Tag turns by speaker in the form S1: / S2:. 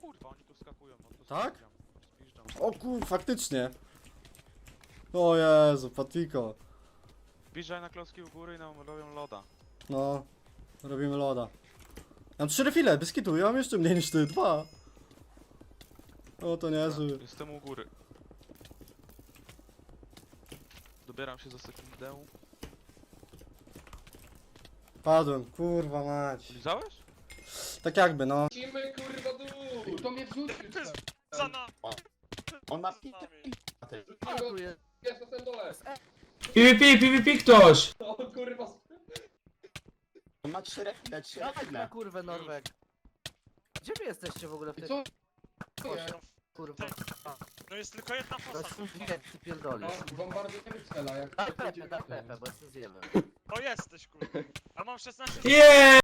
S1: kurwa, oni tu skakują. No to
S2: Tak?
S1: Zjeżdżam.
S2: O kur, faktycznie. O Jezu, Patiko.
S1: Wjeżdżaj na klocki u góry i nam robią loda.
S2: No, robimy loda. Mam 3 refile, bez kitu, ja mam jeszcze mniej niż ty, 2. O, to niezły.
S1: Jestem u góry. Dobieram się za sekundę.
S2: Padłem, kurwa mać.
S1: Lizałeś?
S2: Tak jakby, no.
S3: Lecimy kurwa dół! To mnie wrzucił tam.
S4: Za nami.
S5: On ma
S3: Jest na tym dole.
S6: PvP ktoś!
S3: O kurwa.
S5: On ma 3 refile, 3
S7: Dawaj na
S5: refile.
S7: kurwę Norweg. Gdzie wy jesteście w ogóle w
S3: I
S7: tej
S3: co? To jest?
S7: kurwa?
S4: No jest tylko jedna
S7: To
S4: fosa.
S7: jest wie, ty pierdolisz.
S3: No, bombardujemy cela, jak
S7: Daj Pepe, bo jestem zjebem.
S4: To jesteś kurwa. A mam 16
S6: Yeah!